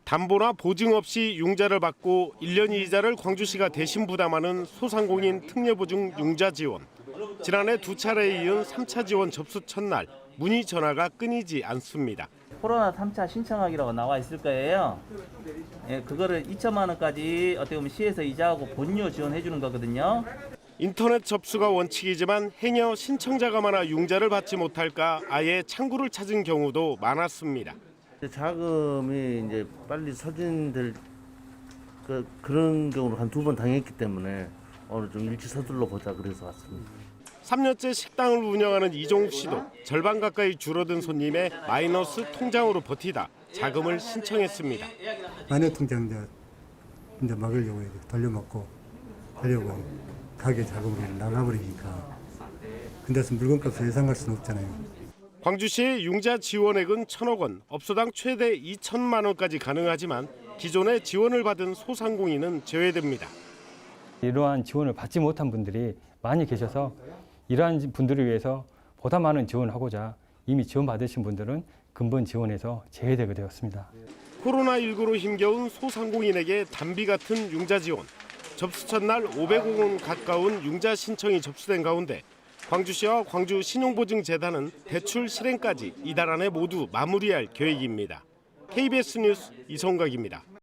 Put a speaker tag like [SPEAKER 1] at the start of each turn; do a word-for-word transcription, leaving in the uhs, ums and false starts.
[SPEAKER 1] 담보나 보증 없이 융자를 받고 일 년 이자를 광주시가 대신 부담하는 소상공인 특례보증 융자 지원. 지난해 두 차례에 이은 삼 차 지원 접수 첫날 문의 전화가 끊이지 않습니다.
[SPEAKER 2] 코로나 삼 차 신청하기라고 나와 있을 거예요. 예, 그거를 이천만 원까지 어떻게 보면 시에서 이자하고 본료 지원해 주는 거거든요.
[SPEAKER 1] 인터넷 접수가 원칙이지만 행여 신청자가 많아 융자를 받지 못할까 아예 창구를 찾은 경우도 많았습니다.
[SPEAKER 3] 자금이 이제 빨리 소진될 그, 그런 경우를 한 두 번 당했기 때문에 오늘 좀 일찍 서둘러 보자 그래서 왔습니다.
[SPEAKER 1] 삼 년째 식당을 운영하는 이종욱 씨도 절반 가까이 줄어든 손님의 마이너스 통장으로 버티다 자금을 신청했습니다.
[SPEAKER 4] 마이너스 통장 이제, 이제 막으려고 이제 돌려먹고 하려고 가게 자금이 나가버리니까 근데서 물건값을 예상할 수는 없잖아요.
[SPEAKER 1] 광주시의 융자 지원액은 천억 원, 업소당 최대 이천만 원까지 가능하지만 기존에 지원을 받은 소상공인은 제외됩니다.
[SPEAKER 5] 이러한 지원을 받지 못한 분들이 많이 계셔서 이러한 분들을 위해서 보다 많은 지원을 하고자 이미 지원받으신 분들은 근본 지원에서 제외되게 되었습니다.
[SPEAKER 1] 코로나십구로 힘겨운 소상공인에게 단비 같은 융자 지원. 접수 첫날 오백억 원 가까운 융자 신청이 접수된 가운데 광주시와 광주신용보증재단은 대출 실행까지 이달 안에 모두 마무리할 계획입니다. 케이비에스 뉴스 이성각입니다.